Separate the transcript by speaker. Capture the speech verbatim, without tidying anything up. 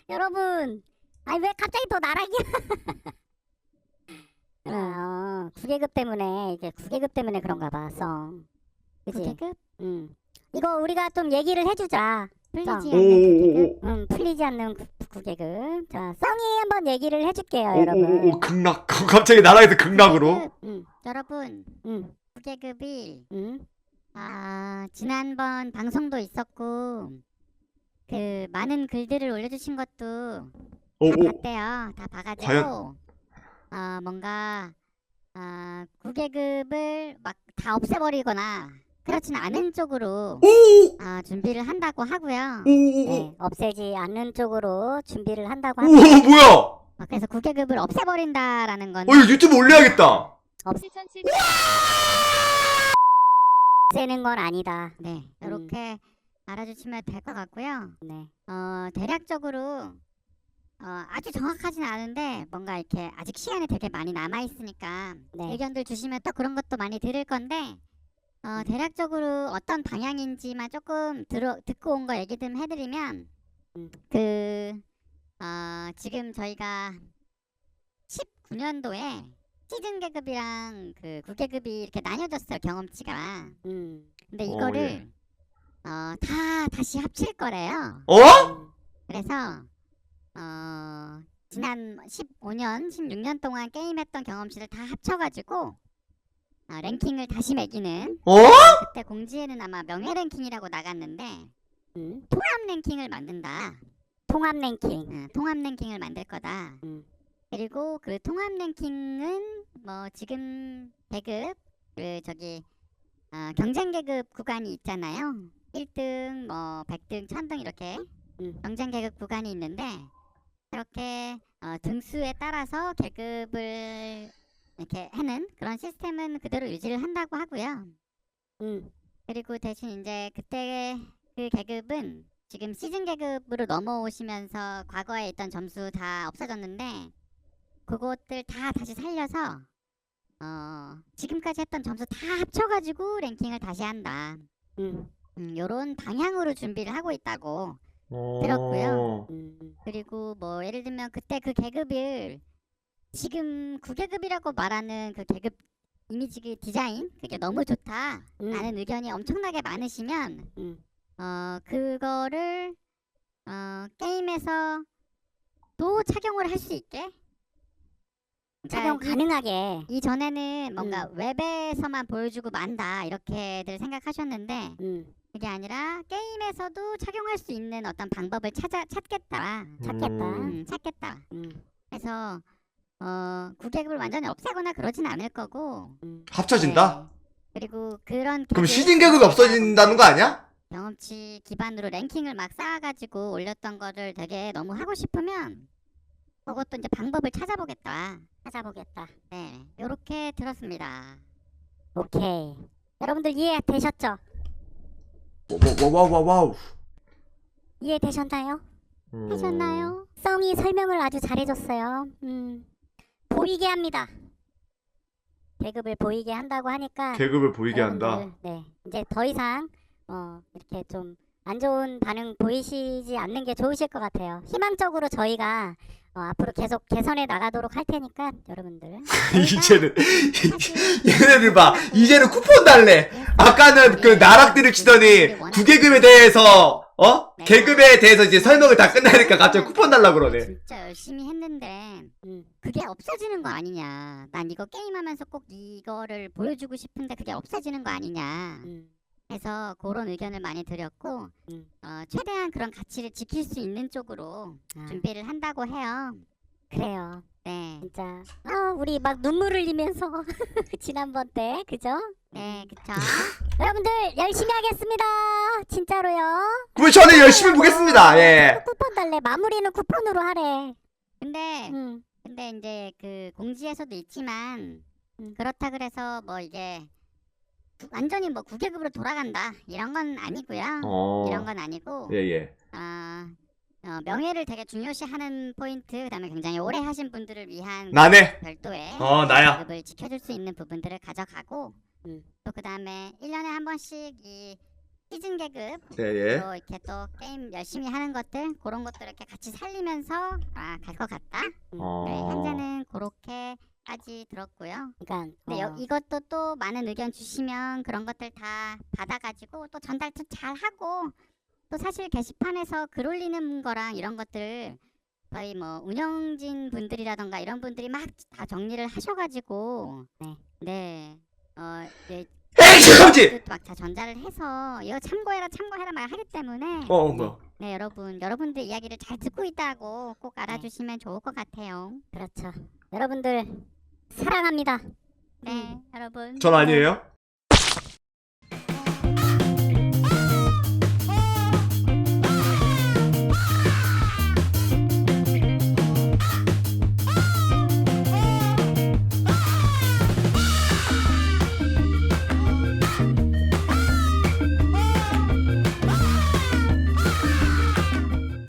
Speaker 1: 여러분, 아니 왜 갑자기 또 나락이야? 어, 구계급 때문에 이게 구계급 때문에 그런가 봐, 성. 그치?
Speaker 2: 구계급?
Speaker 1: 응. 이거 우리가 좀 얘기를 해주자.
Speaker 2: 풀리지
Speaker 1: 성.
Speaker 2: 않는 구계급?
Speaker 3: 오오오오
Speaker 1: 응, 풀리지 않는 구, 구계급. 자, 성이 한번 얘기를 해줄게요,
Speaker 3: 오오오
Speaker 1: 여러분.
Speaker 3: 극락 갑자기 나라에서 극락으로.
Speaker 2: 구계급.
Speaker 1: 응,
Speaker 2: 여러분,
Speaker 1: 응,
Speaker 2: 구계급이
Speaker 1: 응.
Speaker 2: 아 지난번 방송도 있었고 그 많은 글들을 올려주신 것도 다
Speaker 3: 오오
Speaker 2: 봤대요. 다 봐가지고
Speaker 3: 과연?
Speaker 2: 어 뭔가 아 구계급을 막 다 없애버리거나 그렇지는 않은 쪽으로
Speaker 3: 오오
Speaker 2: 아 준비를 한다고 하고요.
Speaker 1: 네, 없애지 않는 쪽으로 준비를 한다고
Speaker 3: 오
Speaker 1: 합니다.
Speaker 3: 뭐야?
Speaker 2: 어, 그래서 구계급을 없애버린다라는
Speaker 3: 어
Speaker 2: 거는
Speaker 3: 이거 유튜브 올려야겠다.
Speaker 1: 없애는 건 아니다.
Speaker 2: 네
Speaker 1: 음.
Speaker 2: 이렇게 알아주시면 될 것 같고요.
Speaker 1: 네.
Speaker 2: 어 대략적으로 어, 아주 정확하진 않은데 뭔가 이렇게 아직 시간이 되게 많이 남아 있으니까
Speaker 1: 네.
Speaker 2: 의견들 주시면 또 그런 것도 많이 들을 건데 어, 대략적으로 어떤 방향인지만 조금 들어 듣고 온 거 얘기 좀 해드리면
Speaker 1: 음.
Speaker 2: 그 어, 지금 저희가 십구 년도에 시즌 계급이랑 그 구계급이 이렇게 나뉘어졌어요, 경험치가.
Speaker 1: 음.
Speaker 2: 근데
Speaker 3: 어,
Speaker 2: 이거를
Speaker 3: 예.
Speaker 2: 어, 다 다시 합칠 거래요.
Speaker 3: 어?
Speaker 1: 음.
Speaker 2: 그래서 어, 지난 십오 년, 십육 년 동안 게임했던 경험치를 다 합쳐가지고 어, 랭킹을 다시 매기는
Speaker 3: 어?
Speaker 2: 그때 공지에는 아마 명예 랭킹이라고 나갔는데
Speaker 1: 음.
Speaker 2: 통합 랭킹을 만든다.
Speaker 1: 통합 랭킹.
Speaker 2: 어, 통합 랭킹을 만들 거다.
Speaker 1: 음.
Speaker 2: 그리고 그 통합 랭킹은 뭐 지금 계급 그 저기 어, 경쟁 계급 구간이 있잖아요. 일 등, 뭐 백 등, 천 등 이렇게
Speaker 1: 음.
Speaker 2: 경쟁 계급 구간이 있는데 이렇게 어, 등수에 따라서 계급을 이렇게 하는 그런 시스템은 그대로 유지를 한다고 하고요.
Speaker 1: 음.
Speaker 2: 그리고 대신 이제 그때 그 계급은 지금 시즌 계급으로 넘어오시면서 과거에 있던 점수 다 없어졌는데 그것들 다 다시 살려서 어, 지금까지 했던 점수 다 합쳐가지고 랭킹을 다시 한다.
Speaker 1: 음.
Speaker 2: 음, 요런 방향으로 준비를 하고 있다고.
Speaker 3: 어...
Speaker 2: 들었고요.
Speaker 1: 음.
Speaker 2: 그리고 뭐 예를 들면 그때 그 계급을 지금 구계급이라고 말하는 그 계급 이미지 그 디자인 그게 너무 좋다
Speaker 1: 음.
Speaker 2: 라는 의견이 엄청나게 많으시면
Speaker 1: 음.
Speaker 2: 어 그거를 어 게임에서 또 착용을 할 수 있게
Speaker 1: 착용
Speaker 2: 그러니까 이-
Speaker 1: 가능하게.
Speaker 2: 이전에는 뭔가 웹에서만 보여주고 만다 이렇게들 생각하셨는데
Speaker 1: 음.
Speaker 2: 그게 아니라 게임에서도 착용할 수 있는 어떤 방법을 찾아 찾겠다
Speaker 1: 찾겠다.
Speaker 2: 음, 찾겠다
Speaker 1: 음.
Speaker 2: 그래서 어 구계급을 완전히 없애거나 그러진 않을 거고
Speaker 1: 음.
Speaker 3: 합쳐진다?
Speaker 2: 네. 그리고 그런
Speaker 3: 그럼
Speaker 2: 계급,
Speaker 3: 시즌 계급이 없어진다는 거 아니야?
Speaker 2: 경험치 기반으로 랭킹을 막 쌓아가지고 올렸던 거를 되게 너무 하고 싶으면 그것도 이제 방법을 찾아보겠다
Speaker 1: 찾아보겠다.
Speaker 2: 네 요렇게 들었습니다.
Speaker 1: 오케이. 여러분들 이해되셨죠?
Speaker 3: 와와와와와우.
Speaker 1: 이해되셨나요?
Speaker 3: 음...
Speaker 2: 하셨나요?
Speaker 1: 썸이 설명을 아주 잘해줬어요. 음. 보이게 합니다. 계급을 보이게 한다고 하니까
Speaker 3: 계급을 보이게 한다.
Speaker 1: 여러분들, 네, 이제 더 이상 어, 이렇게 좀 안 좋은 반응 보이시지 않는 게 좋으실 것 같아요. 희망적으로 저희가 어, 앞으로 계속 개선해 나가도록 할 테니까 여러분들
Speaker 3: 이제는
Speaker 2: 사실
Speaker 3: 얘네들 봐. 이제는 쿠폰 달래. 아까는 그 나락들을 치더니 구계급에 대해서 어? 계급에 대해서 이제 설명을 다 끝나니까 갑자기 쿠폰 달라 그러네.
Speaker 2: 진짜 열심히 했는데
Speaker 1: 음.
Speaker 2: 그게 없어지는 거 아니냐. 난 이거 게임하면서 꼭 이거를 보여주고 싶은데 그게 없어지는 거 아니냐.
Speaker 1: 음.
Speaker 2: 해서 그런 의견을 많이 드렸고
Speaker 1: 음.
Speaker 2: 어, 최대한 그런 가치를 지킬 수 있는 쪽으로
Speaker 1: 아,
Speaker 2: 준비를 한다고 해요.
Speaker 1: 그래요.
Speaker 2: 네,
Speaker 1: 진짜 어, 우리 막 눈물 흘리면서 지난번 때 그죠?
Speaker 2: 네, 그쵸.
Speaker 1: 여러분들 열심히 하겠습니다. 진짜로요.
Speaker 3: 그럼 저는 열심히 보겠습니다. 예.
Speaker 1: 쿠폰 달래. 마무리는 쿠폰으로 하래.
Speaker 2: 근데
Speaker 1: 음.
Speaker 2: 근데 이제 그 공지에서도 있지만
Speaker 1: 음.
Speaker 2: 그렇다 그래서 뭐 이게 구- 완전히 뭐 구계급으로 돌아간다 이런 건 아니고요.
Speaker 3: 어.
Speaker 2: 이런 건 아니고
Speaker 3: 예, 예.
Speaker 2: 아, 어, 명예를 되게 중요시하는 포인트 그다음에 굉장히 오래 하신 분들을 위한
Speaker 3: 나네.
Speaker 2: 별도의
Speaker 3: 어, 나야.
Speaker 2: 계급을 지켜줄 수 있는 부분들을 가져가고
Speaker 1: 음.
Speaker 2: 또 그다음에 일 년에 한 번씩 이 시즌 계급
Speaker 3: 예, 예.
Speaker 2: 또 이렇게 또 게임 열심히 하는 것들 그런 것들 이렇게 같이 살리면서 아, 갈 것 같다. 음,
Speaker 3: 어.
Speaker 2: 네, 현재는 그렇게까지 들었고요.
Speaker 1: 그러니까
Speaker 2: 근데 여-
Speaker 1: 어,
Speaker 2: 이것도 또 많은 의견 주시면 그런 것들 다 받아가지고 또 전달도 잘 하고 또 사실 게시판에서 글 올리는 거랑 이런 것들 거의 뭐 운영진 분들이라던가 이런 분들이 막 다 정리를 하셔가지고
Speaker 1: 네.
Speaker 2: 네. 어, 네.
Speaker 3: 에이, 잠깐지!
Speaker 2: 막다 전달을 해서 이거 참고해라 참고해라 말 하기 때문에
Speaker 3: 어, 어, 뭐야.
Speaker 2: 네 여러분 여러분들 이야기를 잘 듣고 있다고 꼭 알아주시면 좋을 것 같아요.
Speaker 1: 그렇죠. 여러분들 사랑합니다.
Speaker 2: 네 여러분
Speaker 3: 전 아니에요?